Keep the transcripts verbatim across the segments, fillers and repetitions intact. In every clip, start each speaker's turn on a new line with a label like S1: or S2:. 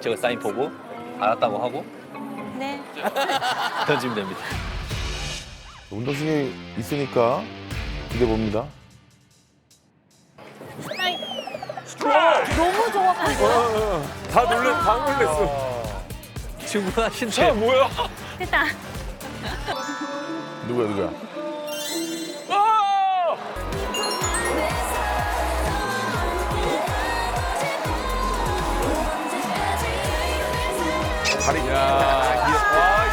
S1: 제가 사인 보고 알았다고 하고
S2: 네.
S1: 던지면 됩니다.
S3: 운동신이 있으니까 기대 봅니다.
S2: 너무 좋았거든요.
S4: 다 놀래, 다 놀랬어.
S1: 충분하신데.
S4: 자, 뭐야?
S2: 됐다.
S3: 누구야 누구야?
S4: 아!
S3: 다리.
S4: 야, 와,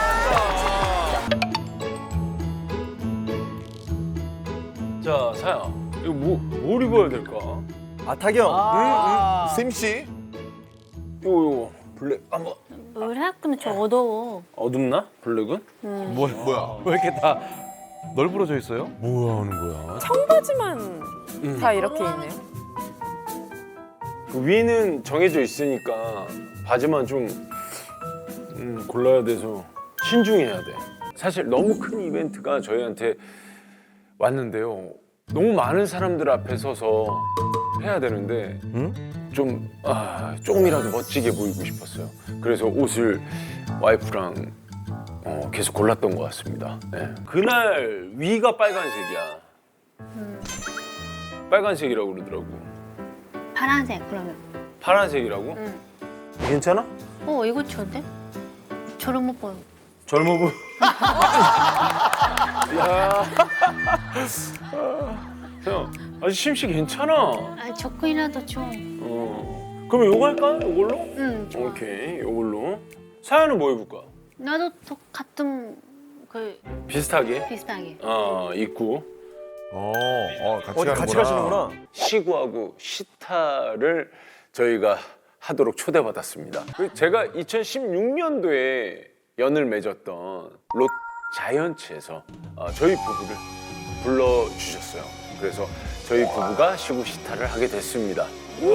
S4: 이쁘다. 자, 사야. 이거 뭐, 뭘 입어야 될까?
S5: 아 타경.
S3: 샘 씨.
S4: 이거, 이거. 블랙, 한번.
S2: 우리 학교는 좀 어두워.
S4: 어둡나? 블랙은?
S3: 뭐야 뭐야?
S5: 왜 이렇게 다 널브러져 있어요?
S4: 뭐야 하는 거야?
S6: 청바지만 다 이렇게 있네요.
S4: 그 위는 정해져 있으니까 바지만 좀 음, 골라야 돼서 신중해야 돼. 사실 너무 큰 이벤트가 저희한테 왔는데요. 너무 많은 사람들 앞에 서서 해야 되는데 좀 아, 조금이라도 멋지게 보이고 싶었어요. 그래서 옷을 와이프랑 어, 계속 골랐던 것 같습니다. 네. 그날 위가 빨간색이야. 빨간색이라고 그러더라고.
S2: 파란색 그러면.
S4: 파란색이라고?
S2: 응.
S4: 괜찮아?
S2: 어 이거 좋은데? 저런 못 보여.
S4: 젊어 보여. 야. 형, 아직 심씨 괜찮아.
S2: 아 조금이라도 좀.
S4: 어. 그럼 요거 할까? 요걸로?
S2: 응 좋아.
S4: 오케이, 요걸로. 사연은 뭐 입을까?
S2: 나도 똑같은 그
S4: 비슷하게.
S2: 비슷하게.
S4: 어, 입고
S3: 어, 어 같이
S5: 어디
S3: 가는구나.
S5: 같이 가시는구나.
S4: 시구하고 시타를 저희가 하도록 초대받았습니다. 그 제가 이천십육 년도에 연을 맺었던 롯 자이언츠에서 어, 저희 부부를 불러주셨어요. 그래서 저희 부부가 시구 시타를 하게 됐습니다.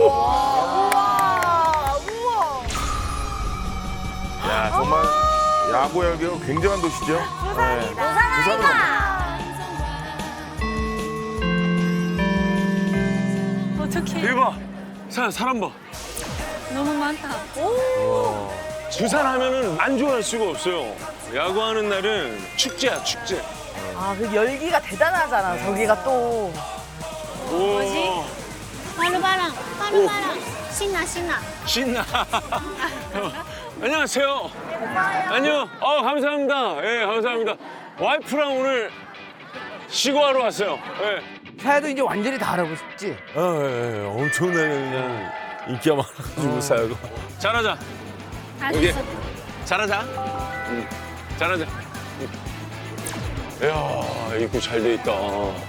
S3: 야 정말 야구 열기가 굉장한 도시죠. 네. 부산은
S2: 어떡해.
S4: 대박! 사, 사람 봐.
S2: 너무 많다.
S4: 부산 하면은 안 좋아할 수가 없어요. 야구하는 날은 축제야, 축제.
S6: 아, 그 열기가 대단하잖아. 저기가 또.
S2: 뭐지? 하루바랑, 하루바랑. 신나, 신나.
S4: 신나. 안녕하세요. 안녕. 어, 감사합니다. 예, 감사합니다. 와이프랑 오늘 시구하러 왔어요. 예.
S5: 사야도 이제 완전히 다 알아보고 싶지?
S4: 아, 예, 예. 엄청나게 그냥 인기가 많아가지고 사야가. 잘하자.
S2: 할수
S4: 여기.
S2: 있어.
S4: 잘하자. 응. 잘하자. 응. 이야, 입구 잘 돼 있다.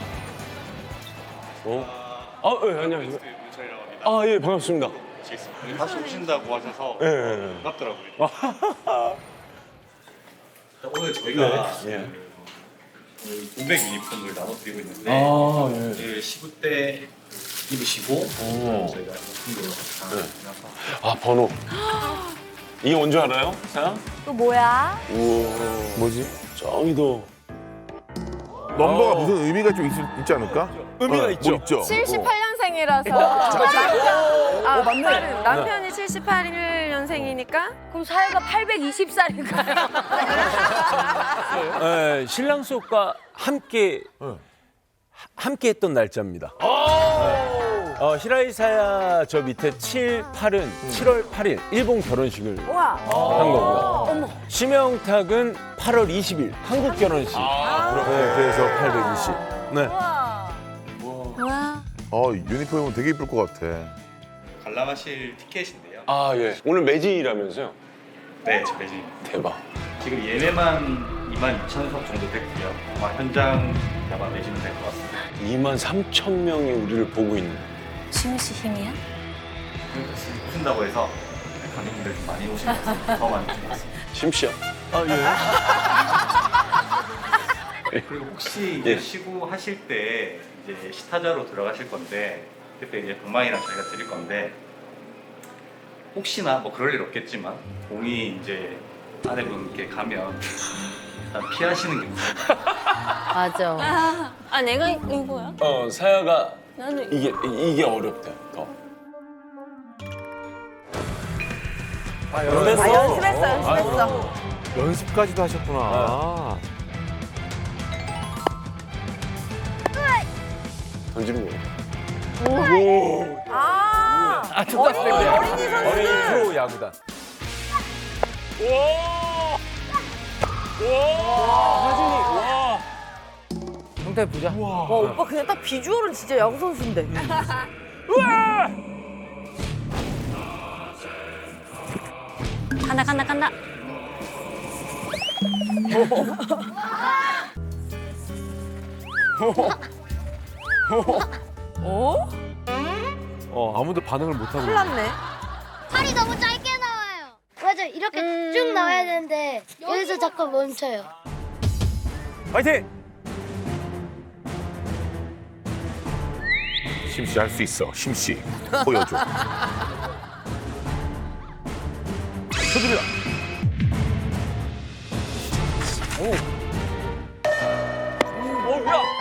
S4: 어? 아, 예, 안녕하세요. 아, 예, 반갑습니다.
S7: 다시 오신다고 하셔서
S4: 예, 예, 예.
S7: 반갑더라고요. 오늘 저희가
S4: 예.
S7: 공백 유니폼을 나눠드리고 있는데
S4: 아, 예.
S7: 그 시구 때 입으시고
S4: 오.
S7: 저희가 유니폼으로 다
S4: 네.
S7: 나눠서
S4: 아, 번호. 이게 뭔지 알아요? 사야?
S6: 또 뭐야?
S4: 우와.
S3: 뭐지?
S4: 짱이다.
S3: 넘버가
S4: 어.
S3: 무슨 의미가 좀 있, 있지 않을까?
S4: 의미가
S3: 어,
S4: 있죠.
S3: 뭐 있죠.
S6: 칠십팔 년생이라서. 남편, 아,
S5: 맞네.
S6: 남편이 칠십팔 년생이니까? 그럼 사회가 팔백이십 살인가요?
S4: 네, 신랑 수업과 함께 하- 함께 했던 날짜입니다. 어, 히라이사야 저 밑에 칠, 팔은 칠월 팔일 일본 결혼식을
S6: 우와.
S4: 한 거고요. 심영탁은 팔월 이십일 한국 결혼식. 네, 그래서 팔백이십. 네.
S2: 와.
S3: 어 유니폼은 되게 이쁠 것 같아.
S7: 관람하실 티켓인데요.
S4: 아, 예. 오늘 매진이라면서요?
S7: 네, 저 매진.
S4: 대박.
S7: 지금 예매만 이만 이천 석 정도 됐고요. 아마 현장 아마 매진은 될 것 같습니다.
S4: 이만 삼천 명이 우리를 보고 있는.
S2: 지민 씨 힘이야?
S7: 오신다고 해서 관객분들 좀 많이 오신 것 같아요. 더 많이 오신 것 같습니다.
S4: 심씨야.
S7: 그리고 혹시 이제
S4: 예.
S7: 시구 하실 때 이제 시타자로 들어가실 건데 그때 이제 방망이랑 저희가 드릴 건데 혹시나 뭐 그럴 일 없겠지만 공이 이제 아내분께 가면 일단 피하시는 게 우선.
S2: 맞아. 아, 아 내가 이거야?
S4: 어, 사야가
S2: 나는
S4: 이게 이게 어렵대. 더.
S5: 아,
S6: 아, 연습했어, 연습했어.
S5: 연습까지도 하셨구나.
S4: 던지는 거.
S6: 아,
S1: 아, 초등학생 때.
S6: 어린이 선수.
S5: 어린이 프로 야구단. 형태 보자.
S6: 와, 오빠 그냥 딱 비주얼은 진짜 야구 선수인데.
S2: 간다 간다 간다.
S5: 어, 아무도 반응을 못 하고.
S6: 큰일 났네.
S8: 팔이 너무 짧게 나와요. 맞아, 이렇게 쭉 나와야 되는데 여기서 자꾸 멈춰요.
S5: 파이팅!
S3: 심씨 할 수 있어. 심씨 보여줘.
S5: 서두르라. 오. 오, 뭐야?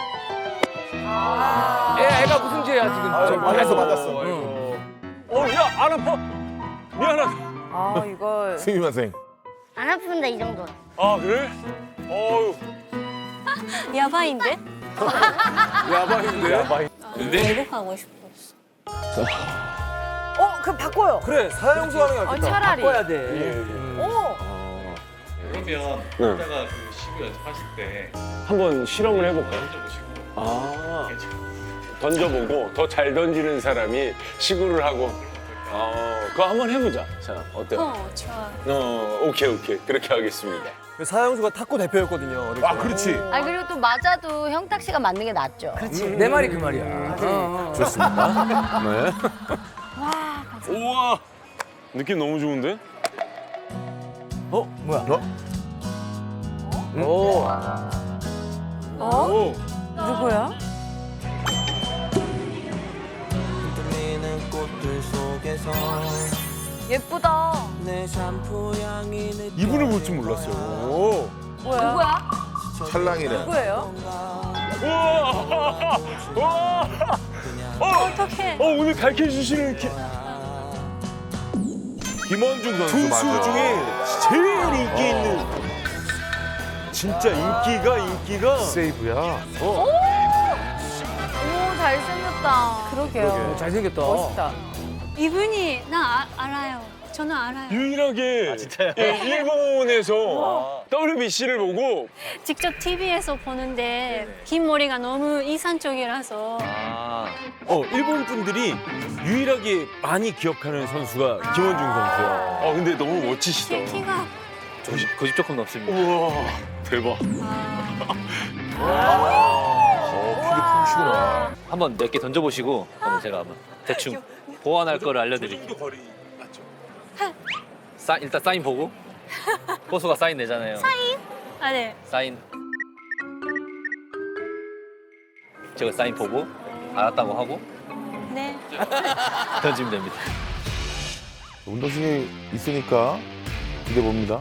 S5: 애, 애가 무슨 죄야 지금?
S3: 아, 맞았어, 맞았어.
S5: 어, 야, 안 아파. 미안하다.
S6: 아, 이걸.
S3: 스미마생.
S8: 안 아픈데 이 정도.
S4: 아 그래? 어유.
S2: 야바인데?
S5: 야바인데? 야바인.
S2: 외국 가고 싶었어.
S6: 어, 그럼 바꿔요.
S5: 그래, 사형수 하는 게 낫겠다.
S6: 어, 차라리.
S5: 바꿔야 돼.
S6: 오.
S7: 그러면 이따가 그 시구 연습하실 때
S4: 한번 실험을 해볼까요?
S7: 던져보시고
S4: 아
S7: 괜찮아요.
S4: 던져보고 더 잘 던지는 사람이 시구를 하고. 어 그거 한번 해보자. 자 어때요?
S2: 어 좋아.
S4: 어 오케이 오케이 그렇게 하겠습니다.
S5: 사형수가 탁구 대표였거든요. 어릴 때.
S3: 아, 그렇지.
S2: 아 그리고 또 맞아도 형탁 씨가 맞는 게 낫죠.
S5: 그렇지. 내 말이 그 말이야.
S3: 좋습니다. 네.
S4: 우와 느낌 너무 좋은데?
S5: 어, 뭐야?
S3: 어?
S5: 오.
S6: 어? 누구야? 예쁘다.
S5: 이분을 볼 줄 몰랐어요. 오.
S6: 뭐야? 누구야?
S3: 찰랑이네.
S6: 누구예요?
S4: 우와 우와
S2: 어떡해.
S4: 어 오늘 가르쳐 주시는 기...
S3: 김원중 선수
S4: 투수
S3: 맞아.
S4: 중에 제일 인기 있는 진짜 인기가 인기가
S3: 세이브야.
S6: 오, 잘생겼다. 그러게요.
S5: 잘생겼다.
S6: 멋있다.
S2: 이분이 나 아, 알아요. 저는 알아요.
S4: 유일하게
S1: 진짜요?
S4: 예, 일본에서 더블유비씨를 보고
S2: 직접 티비에서 보는데 긴 머리가 너무 이산적이라서
S1: 아,
S4: 어 일본 분들이 유일하게 많이 기억하는 선수가 김원중 선수야. 어 근데 너무 멋지시다.
S2: 키가
S1: 고집, 고집 조금 넘습니다.
S4: 우와 대박.
S3: 어, 피게 풍시구나.
S1: 한번 몇 개 던져보시고 그러면 제가 한번 대충 보완할 거를 알려드릴게요.
S4: 거리 맞죠?
S1: 사, 일단 사인 보고 고수가 사인 내잖아요. 사인?
S2: 아 네.
S1: 사인. 제가 사인 보고 알았다고 하고
S2: 네.
S1: 던지면 됩니다.
S3: 운동신이 있으니까 기대 봅니다.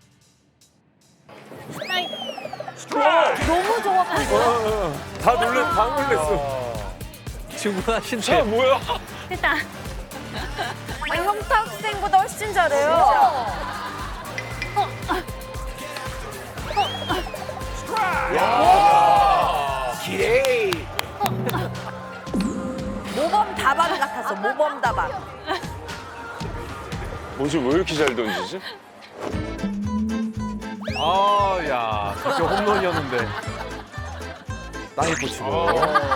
S6: 너무 좋아가지고.
S4: 다 놀래 다 놀랬어.
S1: 충분하신데.
S4: 자 뭐야?
S2: 됐다.
S6: 아, 형탁 학생보다 훨씬 잘해요.
S5: 기레이.
S6: 모범 다방 같았어, 모범 다방.
S4: 뭐지 왜 이렇게 잘 던지지?
S5: 아, 야, 진짜 홈런이었는데. 땅에 꽂히고.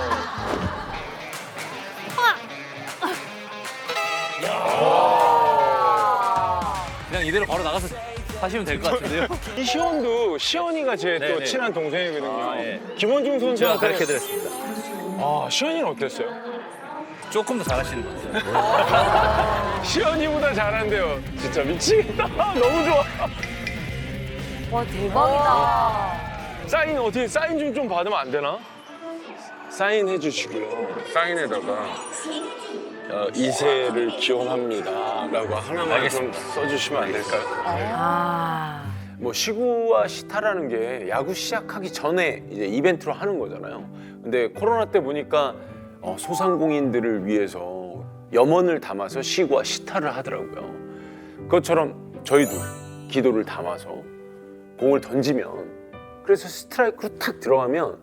S1: 그냥 이대로 바로 나가서 하시면 될 것 같은데요.
S4: 이 시원도 시원이가 제 또
S1: 네네.
S4: 친한 동생이거든요.
S1: 아, 예.
S4: 김원중
S1: 제가
S4: 선수한테
S1: 가르쳐드렸습니다.
S4: 아 시원이는 어땠어요?
S1: 조금 더 잘하시는 것 같아요.
S4: 시원이보다 잘한대요. 진짜 미치겠다. 너무 좋아.
S6: 와, 대박이다.
S4: 사인 어떻게 사인 좀 좀 받으면 안 되나? 사인 해주시고요. 사인에다가 어, 이세를 기원합니다라고 하나만
S1: 알겠습니다.
S4: 좀 써주시면 안 될까요?
S6: 아.
S4: 뭐 시구와 시타라는 게 야구 시작하기 전에 이제 이벤트로 하는 거잖아요. 근데 코로나 때 보니까 어, 소상공인들을 위해서 염원을 담아서 시구와 시타를 하더라고요. 그것처럼 저희도 기도를 담아서 공을 던지면 그래서 스트라이크로 탁 들어가면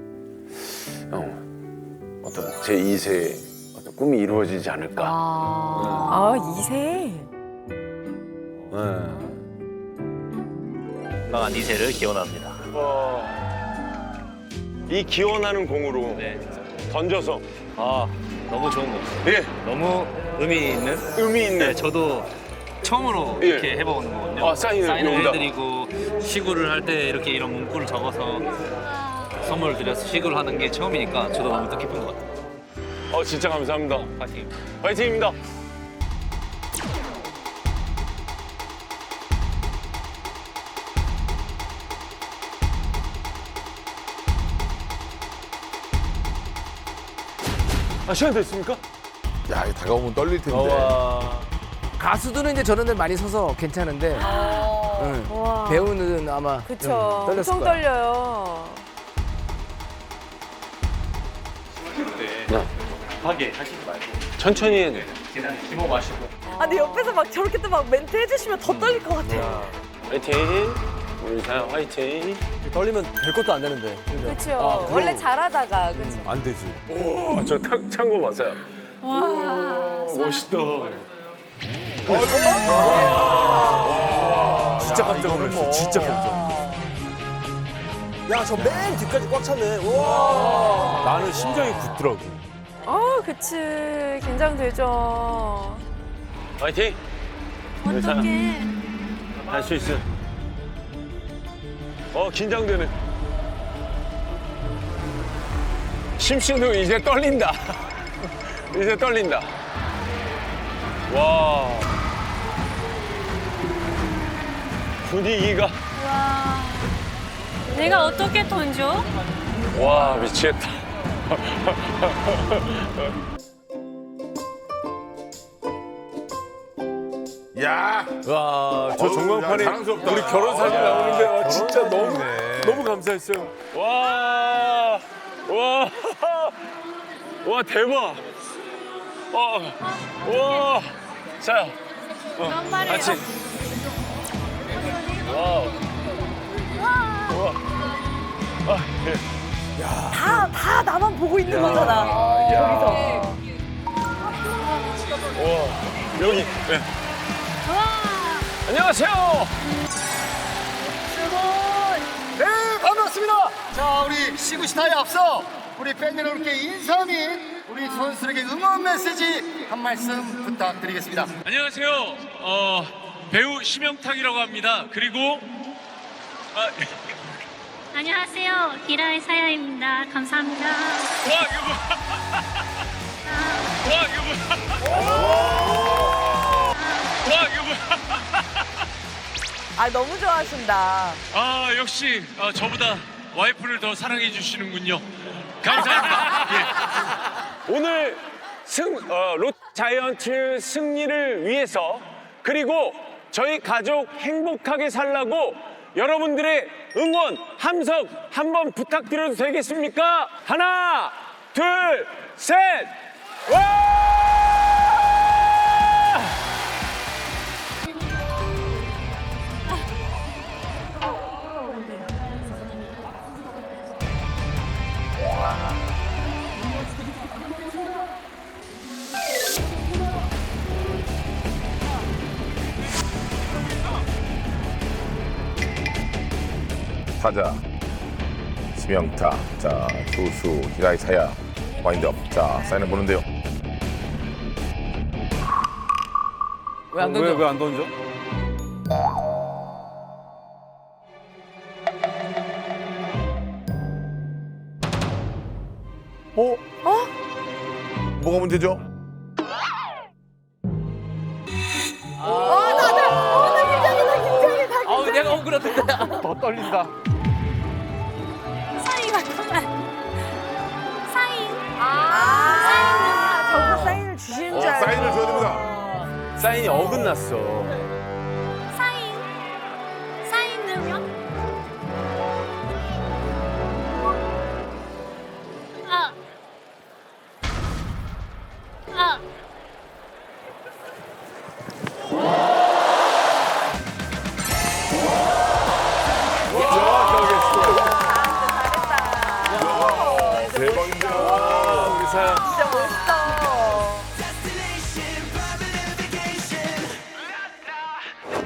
S4: 어, 어떤 제이 세의 어떤 꿈이 이루어지지 않을까.
S6: 아, 이 세.
S4: 네.
S1: 건강한 이 세를 기원합니다.
S4: 이 기원하는 공으로
S1: 네, 진짜.
S4: 던져서
S1: 아, 너무 좋은 거.
S4: 예,
S1: 너무 의미 있는.
S4: 의미 있는
S1: 네, 저도 처음으로
S4: 예.
S1: 이렇게 해보는 거거든요.
S4: 아, 사인을 여기다.
S1: 해드리고 시구를 할 때 이렇게 이런 문구를 적어서 선물 드려서 시구를 하는 게 처음이니까 저도 너무 뜻깊은 것 같아요.
S4: 어, 진짜 감사합니다.
S1: 파이팅.
S4: 화이팅입니다. 아, 시간 됐습니까?
S3: 야, 이거 다가오면 떨릴 텐데.
S4: 와.
S9: 가수들은 이제 저런 데 많이 서서 괜찮은데 응.
S6: 와.
S9: 배우는 아마
S6: 그쵸.
S9: 좀 떨렸을
S6: 엄청
S9: 거야.
S6: 떨려요.
S7: 네. 급하게 하시지 말고
S4: 천천히 해야 돼.
S7: 그냥 힘어 마시고.
S6: 아, 근데 옆에서 막 저렇게 또 막 멘트 해주시면 더 떨릴 것 같아요.
S4: 화이팅. 우리 사연 화이팅.
S9: 떨리면 될 것도 안 되는데.
S6: 그렇죠. 원래 잘하다가 그렇죠.
S3: 안 되지.
S4: 오, 저찬거 봤어요.
S6: 와.
S4: 멋있다.
S3: 진짜 깜짝 놀랐어. 진짜 깜짝.
S9: 야, 저 맨 뒤까지 꽉 찼네. 와.
S3: 나는 심장이 굳더라고.
S6: 아, 그치. 긴장되죠.
S4: 화이팅.
S2: 어떡해.
S4: 할 수 있어. 어, 긴장되네. 심씨도 이제 떨린다. 이제 떨린다. 와. 분위기가.
S2: 와. 내가 어떻게 던져?
S4: 와, 미치겠다.
S3: 야,
S4: 와, 저
S3: 어우,
S4: 전광판에
S3: 야, 자랑스럽다.
S4: 우리 결혼 사진
S3: 아,
S4: 나오는데 와,
S3: 결혼
S4: 진짜 너무
S3: 사진이네.
S4: 너무 감사했어요. 와, 와, 와 대박. 와, 와, 자,
S2: 그런 말이에요.
S4: 같이. 와우. 와, 아, 예.
S6: 다, 다 나만 보고 있는 거잖아. 여기서.
S4: 와, 여기. 네.
S2: 와.
S4: 안녕하세요.
S10: 네, 반갑습니다. 자, 우리 시구시타에 앞서 우리 팬 여러분께 인사 및 우리 선수들에게 응원 메시지 한 말씀 부탁드리겠습니다.
S5: 안녕하세요. 어, 배우 심영탁이라고 합니다. 그리고 아,
S2: 안녕하세요. 기라의 사야입니다. 감사합니다.
S5: 와 이거 뭐? 와 이거 뭐? 와 이거 뭐?
S6: 아, 너무 좋아하신다.
S5: 아 역시 어, 저보다 와이프를 더 사랑해 주시는군요. 감사합니다. 예.
S4: 오늘 승 어, 롯 자이언츠 승리를 위해서 그리고 저희 가족 행복하게 살라고 여러분들의 응원 함성 한번 부탁드려도 되겠습니까? 하나, 둘, 셋, 와!
S3: 타자 심영타. 자, 투수 히라이 사야. 와인드업. 자, 사인을 보는데요.
S9: 왜 안 던져?
S4: 왜 안 던져?
S3: 어? 어? 뭐가 문제죠?
S9: 아우, 내가 억울하던데.
S3: 더 떨린다.
S2: 사인 맞구만. 사인.
S6: 아, 저거 사인을 주시는
S3: 어,
S6: 줄 알고.
S3: 사인을 줘야 됩니다.
S4: 사인이 어긋났어.
S2: 사인. 사인 넣으면? 아. 아.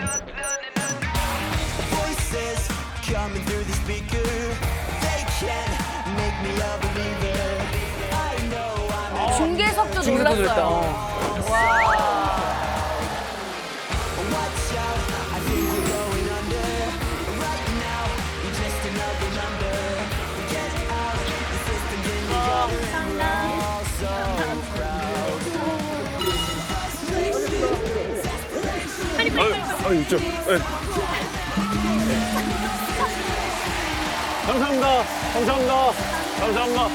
S11: Voices coming through the speaker. They can make me a believer. I know I'm
S6: 중계석도 놀랐어요. 와.
S11: Watch out, I think we're going under. Right now, we're just another number. Get out, the system's in the gutter, and we're all so proud.
S4: 아, 아 이쪽. 네. 감사합니다. 감사합니다. 감사합니다.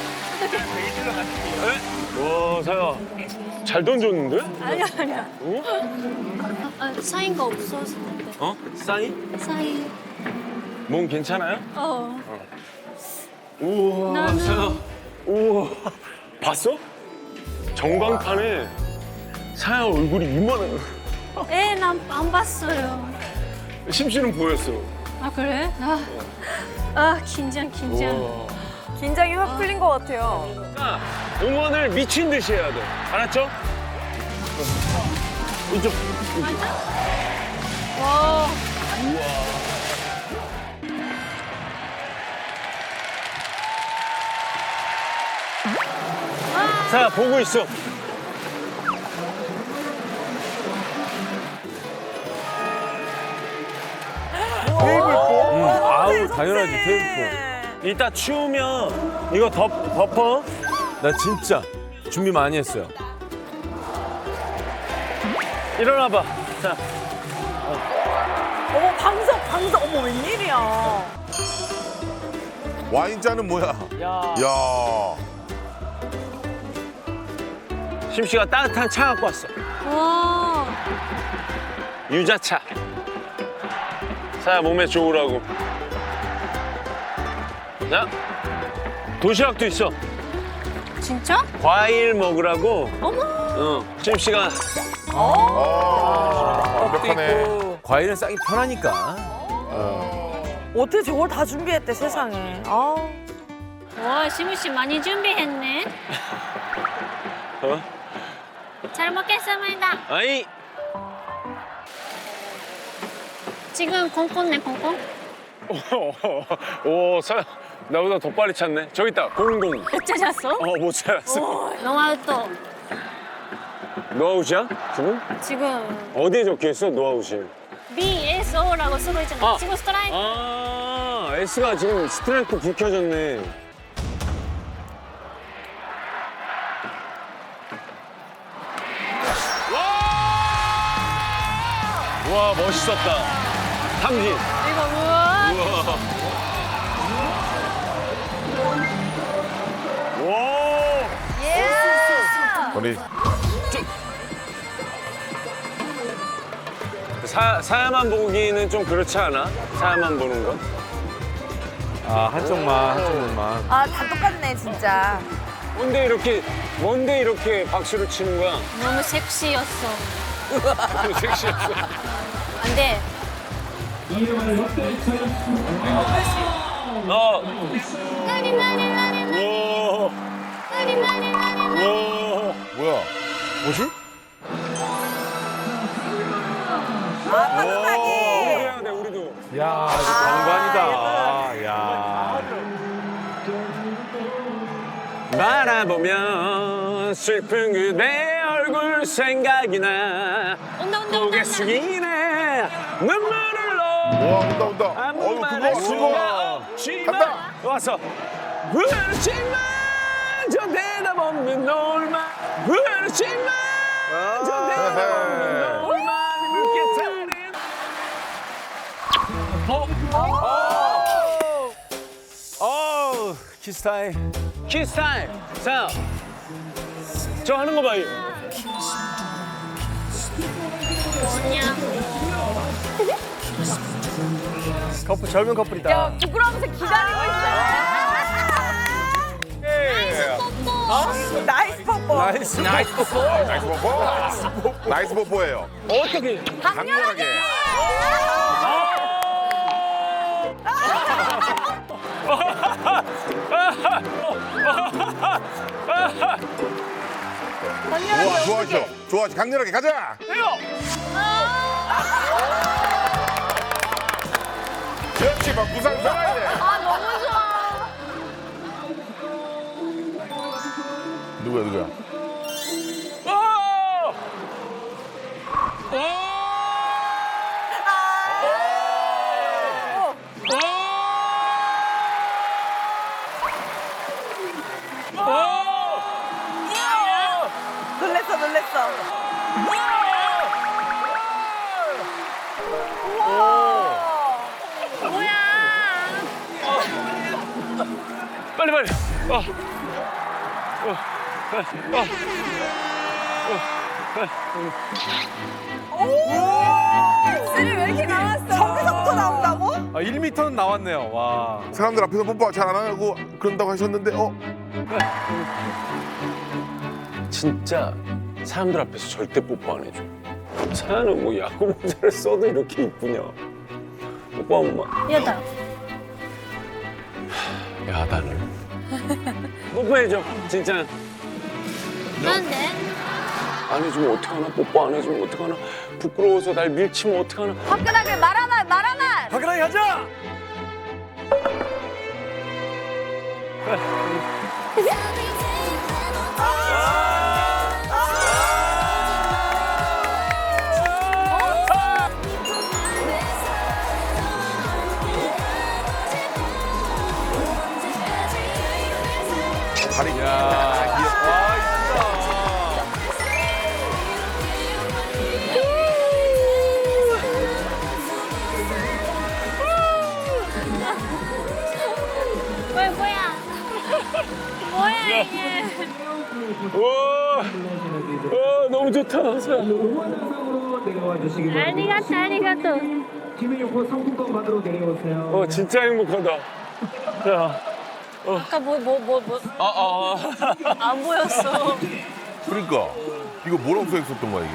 S4: 네? 와, 사야. 잘 던졌는데?
S2: 아니야 아니야.
S4: 어?
S2: 아, 사인 거 없어서.
S4: 어? 사인?
S2: 사인.
S4: 몸 괜찮아요?
S2: 어.
S4: 우와,
S2: 나는-
S4: 사야. 우와. 봤어? 전광판에 사야 얼굴이 이만해.
S2: 에, 난 안 봤어요.
S4: 심씨는 보였어.
S2: 아 그래? 아, 아 긴장 긴장.
S4: 우와.
S6: 긴장이 확 풀린 것 같아요.
S4: 자, 응원을 미친 듯이 해야 돼. 알았죠? 이쪽.
S2: 와.
S4: 자, 보고 있어.
S9: 테이블 뽀?
S4: 응, 아우, 당연하지, 테이프. 이따 추우면 이거 덮, 덮어. 나 진짜 준비 많이 했어요. 일어나봐. 자,
S6: 어머 방석 방석 어머 웬일이야.
S3: 와인잔은 뭐야?
S4: 야.
S3: 야.
S4: 심씨가 따뜻한 차 갖고 왔어.
S2: 와.
S4: 유자차. 사야 몸에 좋으라고. 자, 도시락도 있어.
S2: 진짜?
S4: 과일 먹으라고.
S2: 어머.
S4: 어, 심씨가
S3: 아, 완벽하네.
S4: 과일은 싸기 편하니까.
S6: 어떻게 저걸 다 준비했대 세상에. 아.
S2: 와, 시무 씨 많이 준비했네.
S4: 어?
S2: 잘 먹겠습니다.
S4: 아이.
S2: 지금 콩콩네 콩콩.
S4: 오, 사야 나보다 더 빨리 찾네. 저기 있다, 공공.
S2: 못 찾았어?
S4: 어, 못 찾았어.
S2: 노하우 또
S4: 노아웃이야? 지금?
S2: 지금
S4: 어디에 적혀있어, 노아웃이?
S2: 비 에스 오라고 쓰고 있잖아.
S4: 아.
S2: 지금 스트라이크.
S4: 아, S가 지금 스트라이크 불 켜졌네. 와, 멋있었다. 탐진.
S2: 이거 우와.
S4: 우와. 와.
S3: 우리
S4: 사, 사야만 보기는 좀 그렇지 않아? 사야만 보는 건?
S9: 아, 한쪽만, 한쪽만.
S6: 아 다 똑같네 진짜.
S4: 뭔데 이렇게, 뭔데 이렇게 박수를 치는 거야?
S2: 너무 섹시였어.
S4: 너무 섹시했어.
S2: 안 돼.
S4: 어.
S2: 나리 나리 나리
S4: 우와.
S2: 나리 나리 나리.
S4: 우와.
S3: 뭐야? 뭐지?
S6: 아
S4: 우리도
S6: 따뜻하게.
S4: 해야 돼, 우리도.
S9: 야, 이거 장관이다. 야.
S4: 바라보면 슬픈 그대 얼굴 생각이 나.
S2: 온다 온다
S4: 고개
S2: 온다.
S4: 숙이네 눈물을
S3: 와,
S4: 넣어
S3: 온다, 온다.
S4: 아무
S3: 어우,
S4: 말
S3: 그거,
S4: 할
S3: 그거.
S4: 수가 없지만
S3: 간다.
S4: 왔어. 그렇지만 저 대답 없는 놀만 그렇지만 저 대답 없는 놀만 그렇게 잘해. 어?
S9: 어우, 키스 타임.
S4: 키스 타임. 자, 저 하는 거 봐.
S2: 뭐냐?
S9: 커플, 젊은 커플이다.
S6: 부끄러우면서 기다리고 있어.
S9: 예.
S6: 나이스 뽀뽀.
S9: 나이스. 나이스 뽀뽀.
S3: 나이스 버퍼. 나이스 버퍼예요.
S4: 어떻게?
S3: 강렬하게. 우와, 좋아하죠. 좋아하죠. 강렬하게 가자.
S4: 해요.
S3: 그렇지, 막 부상 살아야 돼.
S6: 아 너무 좋아.
S3: 누구야, 누구야?
S6: 놀랬어 놀랬어. 뭐야?
S4: 빨리 빨리. 어. 어. 어.
S6: 입술이 왜 이렇게 나왔어? 저기서부터 나온다고?
S9: 아, 일 미터는 나왔네요. 와.
S3: 사람들 앞에서 뽀뽀 잘 안 하고 그런다고 하셨는데, 어?
S4: 진짜 사람들 앞에서 절대 뽀뽀 안 해줘. 사연은 뭐 야구 모자를 써도 이렇게 이쁘냐. 뽀뽀 한 번만.
S2: 여덟.
S4: 야, 나를. 뽀뽀해줘, 진짜.
S2: 그런데
S4: 안 해주면 어떡하나? 뽀뽀 안 해주면 어떡하나? 부끄러워서 날 밀치면 어떡하나?
S6: 화끈하게 말하만 말하만.
S9: 화끈하게 가자.
S3: 다리.
S9: 야, 귀엽다. 와, 이쁘다.
S2: 뭐야 뭐야? 뭐야 이게?
S4: 와, 와, 너무 좋다, 사연.
S2: 아리가또 아리가또.
S4: 어, 진짜 행복하다. 야,
S2: 아까 뭐 뭐 뭐 뭐 안
S4: 아, 아, 아.
S2: 보였어.
S3: 그러니까. 이거 뭐라고 써 있었던 거야, 이게?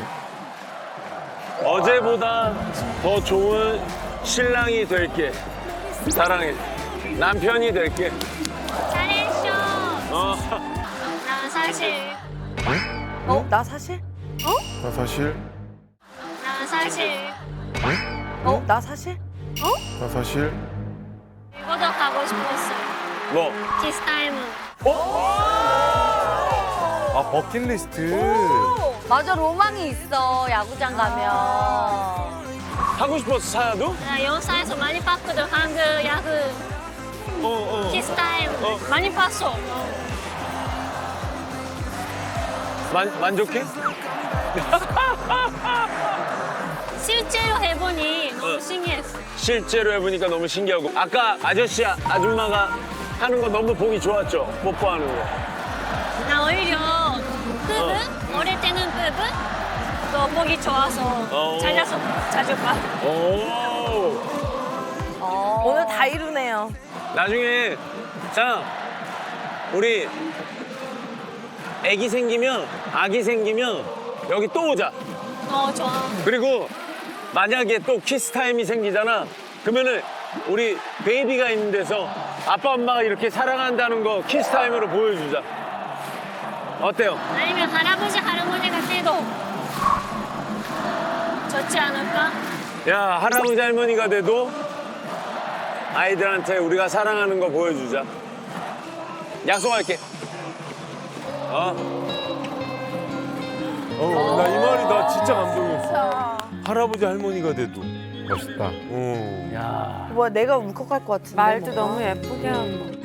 S4: 어제보다 더 좋은 신랑이 될게. 사랑해. 남편이 될게.
S2: 잘했어.
S4: 어.
S2: 나 사실
S6: 어? 나 사실?
S3: 나 사실,
S2: 나 사실
S6: 어? 나 사실?
S3: 나 사실.
S2: 이거도 가고 싶었어.
S4: 뭐?
S2: 키스 타임은.
S9: 아, 버킷리스트.
S6: 맞아 로망이 있어 야구장 가면.
S4: 하고 싶었어, 사야도?
S2: 나 영상에서 많이 봤거든. 한국 야구
S4: 어, 어.
S2: 키스 타임
S4: 어.
S2: 많이 봤어.
S4: 만, 만족해?
S2: 실제로 해보니 너무
S4: 어.
S2: 신기했어.
S4: 실제로 해보니까 너무 신기하고. 아까 아저씨, 아줌마가 하는 거 너무 보기 좋았죠? 뽀뽀하는 거.
S2: 나 오히려 부분 어릴 때는 부분 더 보기 좋아서
S4: 어.
S2: 잘라서 자주 봐.
S4: 오.
S6: 오늘 다 이루네요.
S4: 나중에, 자, 우리 애기 생기면, 아기 생기면 여기 또 오자.
S2: 어 좋아.
S4: 그리고 만약에 또 키스 타임이 생기잖아. 그러면은 우리 베이비가 있는 데서 아빠 엄마가 이렇게 사랑한다는 거 키스 타임으로 보여주자. 어때요?
S2: 아니면 할아버지 할아버지가 돼도 좋지 않을까?
S4: 야, 할아버지 할머니가 돼도 아이들한테 우리가 사랑하는 거 보여주자. 약속할게. 어?
S9: 어, 나 이 말이 나 진짜 감동이었어. 할아버지 할머니가 돼도.
S3: 멋있다.
S9: 어.
S6: 뭐야 내가 울컥할 것 같은데.
S12: 말도 너무 예쁘게 하고.